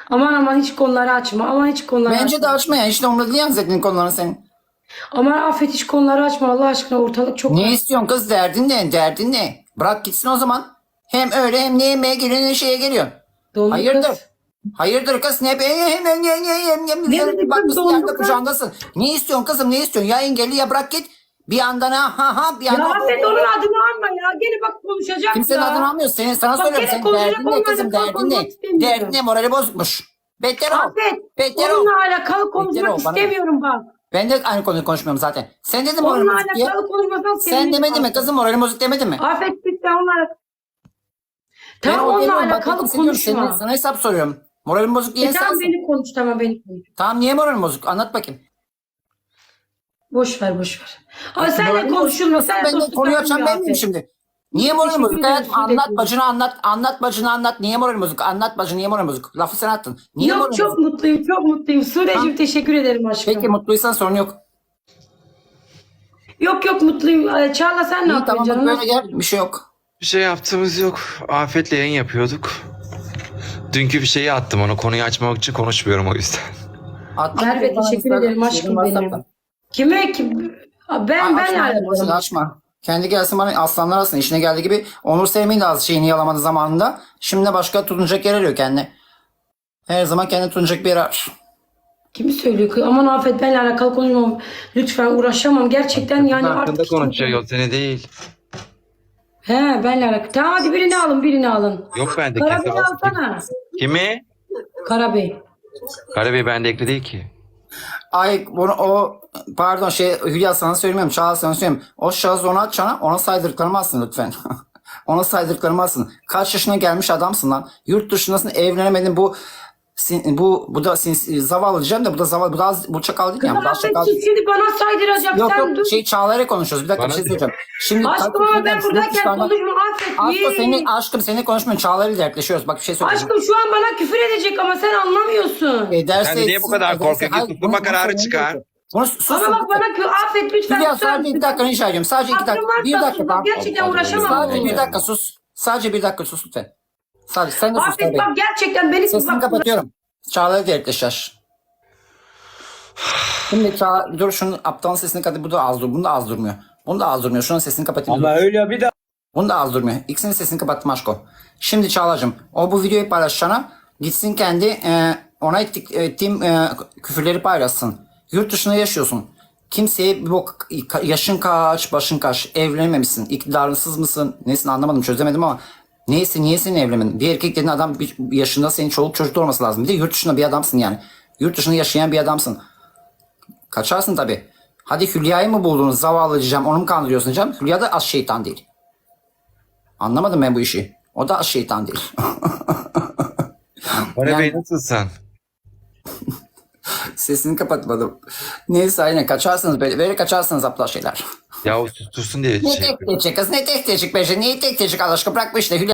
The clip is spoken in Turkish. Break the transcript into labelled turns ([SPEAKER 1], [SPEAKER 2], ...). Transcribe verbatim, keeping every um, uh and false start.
[SPEAKER 1] Aman aman hiç konuları açma. Aman hiç konuları
[SPEAKER 2] Bence
[SPEAKER 1] açma.
[SPEAKER 2] de açma ya. İşte umurunda değil yani senin konuların senin.
[SPEAKER 1] Aman Afet hiç konuları açma Allah aşkına ortalık çok
[SPEAKER 2] Ne
[SPEAKER 1] karışık.
[SPEAKER 2] istiyorsun kız? Derdin ne? Derdin ne? Bırak gitsin o zaman. Hem öyle hem ne yemeğe geliyor ne şeye geliyor.
[SPEAKER 1] Dondu
[SPEAKER 2] Hayırdır?
[SPEAKER 1] kız.
[SPEAKER 2] Hayırdır kız? Ne be? Hem hem hem hem hem
[SPEAKER 1] Ne dedi kız?
[SPEAKER 2] bakmışsın
[SPEAKER 1] Dondu
[SPEAKER 2] yerde
[SPEAKER 1] kız.
[SPEAKER 2] kucağındasın. Ne istiyorsun kızım? Ne istiyorsun? Ya engelli ya bırak git. Bir yandan ha ha ha bir
[SPEAKER 1] Ya
[SPEAKER 2] yandan.
[SPEAKER 1] Afet onun adını alma ya. Gene bak konuşacak
[SPEAKER 2] Kimsenin
[SPEAKER 1] ya.
[SPEAKER 2] adını almıyorsun. Senin, sana
[SPEAKER 1] Bak
[SPEAKER 2] soruyorum.
[SPEAKER 1] gene
[SPEAKER 2] Senin
[SPEAKER 1] konuşacak,
[SPEAKER 2] derdin ne
[SPEAKER 1] onunla
[SPEAKER 2] kızım?
[SPEAKER 1] alakalı
[SPEAKER 2] Derdin ne?
[SPEAKER 1] konuşmak istemiyorum.
[SPEAKER 2] Derdin ne? Morali bozukmuş. Beter ol.
[SPEAKER 1] Afet
[SPEAKER 2] Beter ol.
[SPEAKER 1] onunla alakalı
[SPEAKER 2] Beter
[SPEAKER 1] konuşmak
[SPEAKER 2] ol bana.
[SPEAKER 1] istemiyorum bak.
[SPEAKER 2] Ben de aynı konuyu konuşmuyorum zaten. Sen dedin moralim
[SPEAKER 1] Onunla
[SPEAKER 2] bozuk diye.
[SPEAKER 1] alakalı konuşmasan
[SPEAKER 2] Sen
[SPEAKER 1] sevinirim
[SPEAKER 2] demedin mi
[SPEAKER 1] Afet.
[SPEAKER 2] kızım moralim bozuk demedin mi?
[SPEAKER 1] Afet lütfen onunla alakalı.
[SPEAKER 2] Ben
[SPEAKER 1] Tamam
[SPEAKER 2] o
[SPEAKER 1] onunla
[SPEAKER 2] demiyorum, bak,
[SPEAKER 1] alakalı
[SPEAKER 2] ben hissediyorum. Senin-
[SPEAKER 1] konuşma.
[SPEAKER 2] Sana hesap soruyorum. Moralim bozuk diye
[SPEAKER 1] E tamam
[SPEAKER 2] sensin.
[SPEAKER 1] beni konuş tamam beni konuş.
[SPEAKER 2] Tamam niye moralim bozuk? Anlat bakayım.
[SPEAKER 1] Boş ver boş ver. Ama senle
[SPEAKER 2] Moralim
[SPEAKER 1] konuşulma.
[SPEAKER 2] bozuk.
[SPEAKER 1] Senle
[SPEAKER 2] Ben de
[SPEAKER 1] dostluk
[SPEAKER 2] konuyu açan
[SPEAKER 1] yapılmıyor
[SPEAKER 2] ben miyim
[SPEAKER 1] Afet.
[SPEAKER 2] şimdi? Niye moralim
[SPEAKER 1] Teşekkür
[SPEAKER 2] bozuk?
[SPEAKER 1] ederim,
[SPEAKER 2] Hayatım
[SPEAKER 1] su
[SPEAKER 2] anlat
[SPEAKER 1] döküyorum.
[SPEAKER 2] bacını anlat. Anlat bacını anlat. Niye moralim bozuk? Anlat bacını niye moralim bozuk? Lafı sen attın. Niye
[SPEAKER 1] Yok
[SPEAKER 2] moralim
[SPEAKER 1] çok
[SPEAKER 2] bozuk?
[SPEAKER 1] mutluyum çok mutluyum. Sude'cim
[SPEAKER 2] Tamam.
[SPEAKER 1] teşekkür ederim aşkım.
[SPEAKER 2] Peki mutluysan sorun yok.
[SPEAKER 1] Yok yok mutluyum. Ee, Çağla sen ne
[SPEAKER 2] İyi
[SPEAKER 1] yapıyorsun
[SPEAKER 2] tamam bak
[SPEAKER 1] canım?
[SPEAKER 2] böyle gel. Bir şey yok.
[SPEAKER 3] Bir şey yaptığımız yok. Afet'le yayın yapıyorduk. Dünkü bir şeyi attım onu. Konuyu açmamak için konuşmuyorum o yüzden.
[SPEAKER 2] Atma.
[SPEAKER 1] Merve teşekkür ederim aşkım benim. Kime kim? Ben ben
[SPEAKER 2] açma,
[SPEAKER 1] alakalı.
[SPEAKER 2] boşuna açma. Kendi gelsin bana aslanlar alsın. İşine geldiği gibi. Onur Sevmeyi de az şeyini yalamadı zamanında. Şimdi de başka tutunacak yer arıyor kendine. Her zaman kendi tutunacak bir yer arar.
[SPEAKER 1] Kimi söylüyor? ki? Aman Afet benle alakalı konuşmam. Lütfen uğraşamam. Gerçekten yani
[SPEAKER 3] Hakkında
[SPEAKER 1] artık.
[SPEAKER 3] konuşuyor yol seni değil.
[SPEAKER 1] He benle alakalı. Tamam hadi birini alın birini alın.
[SPEAKER 3] Yok bende
[SPEAKER 1] Karabey
[SPEAKER 3] kimse var.
[SPEAKER 1] alsana.
[SPEAKER 3] Kimi?
[SPEAKER 1] Karabey.
[SPEAKER 3] Karabey bende ekli değil ki.
[SPEAKER 2] Ay bunu o pardon şey Hülya sana söylemiyorum. Çağla sana söylemiyorum. O şahıs ona atacağına ona saydırdıklarımı alsın lütfen. Ona saydırdıklarımı alsın. Kaç yaşına gelmiş adamsın lan. Yurt dışındasın evlenemedin bu sin, bu bu da sin, zavallı diyeceğim de bu da zavallı bu da az, bu çakal değil yani. Bu da
[SPEAKER 1] Afet
[SPEAKER 2] çakal değil.
[SPEAKER 1] şimdi bana saydıracak.
[SPEAKER 2] Yok
[SPEAKER 1] Sen
[SPEAKER 2] yok
[SPEAKER 1] dur.
[SPEAKER 2] şey Çağla'yla konuşuyoruz. Bir dakika
[SPEAKER 3] Bana
[SPEAKER 2] bir şey
[SPEAKER 3] de.
[SPEAKER 2] söyleyeceğim. Şimdi
[SPEAKER 1] Aşkım ama ben buradayken konuşma Afet.
[SPEAKER 2] Aşkım
[SPEAKER 1] Yee.
[SPEAKER 2] senin aşkım seninle konuşmuyorum. Çağla'yla dertleşiyoruz. Bak bir şey söyleyeceğim.
[SPEAKER 1] Aşkım şu an bana küfür edecek ama sen anlamıyorsun.
[SPEAKER 2] Ederse
[SPEAKER 3] Sen niye bu kadar
[SPEAKER 2] ederse-
[SPEAKER 3] korkuyorsun?
[SPEAKER 2] Hayır,
[SPEAKER 3] Tutturma
[SPEAKER 2] bunu-
[SPEAKER 3] kararı
[SPEAKER 2] bunu
[SPEAKER 3] çıkar.
[SPEAKER 2] söylemiyorum. Bunu sus.
[SPEAKER 1] Ama bak bana kü Afet lütfen.
[SPEAKER 2] Hülya
[SPEAKER 1] susar
[SPEAKER 2] sadece
[SPEAKER 1] mısın?
[SPEAKER 2] iki dakika rica ediyorum. Sadece iki dakika.
[SPEAKER 1] Hakkım
[SPEAKER 2] Bir
[SPEAKER 1] varsa
[SPEAKER 2] dakika
[SPEAKER 1] sus.
[SPEAKER 2] tamam.
[SPEAKER 1] Gerçekten uğraşamam.
[SPEAKER 2] Sadece
[SPEAKER 1] bununla.
[SPEAKER 2] bir dakika sus. Sadece bir dakika sus lütfen. Sadece sen de sus
[SPEAKER 1] Afet
[SPEAKER 2] tabii.
[SPEAKER 1] bak gerçekten beni
[SPEAKER 2] Sesini
[SPEAKER 1] bak.
[SPEAKER 2] kapatıyorum. Çağla'yla dertleşer. Şimdi Çağla dur şunun aptalın sesini kapat. Bu da az dur. Bunu da az durmuyor. Bunu da az durmuyor. Şunun sesini kapatayım.
[SPEAKER 4] Ama öyle bir de
[SPEAKER 2] Bunu da az durmuyor. İkisinin sesini kapattım aşko. Şimdi Çağla'cığım o bu videoyu paylaşacağına gitsin kendi e, ona ettik, ettiğim e, küfürleri paylaşsın. Yurt dışında yaşıyorsun. Kimseye bir bok yaşın kaç, başın kaç, evlenememişsin, iktidarsız mısın, nesin anlamadım çözemedim ama neyse niye senin evlenmedin? Bir erkek dediğin adam bir yaşında senin çoluk çocuk olması lazım. Bir de yurt dışında bir adamsın yani. Yurt dışında yaşayan bir adamsın. Kaçarsın tabii. Hadi Hülya'yı mı buldunuz zavallı diyeceğim onu mu kandırıyorsun diyeceğim. Hülya da az şeytan değil. Anlamadım ben bu işi. O da az şeytan değil.
[SPEAKER 3] Karabey
[SPEAKER 2] Yani-
[SPEAKER 3] nasılsın?
[SPEAKER 2] Sesini kapatmadım. Neyse aynen kaçarsınız böyle. Böyle kaçarsınız aptal şeyler.
[SPEAKER 3] Ya o sustursun diye
[SPEAKER 2] Ne
[SPEAKER 3] şey
[SPEAKER 2] tek tecek kız ne tek tecek be. Niye tek tecek Allah aşkına bırak bu işte. Hülya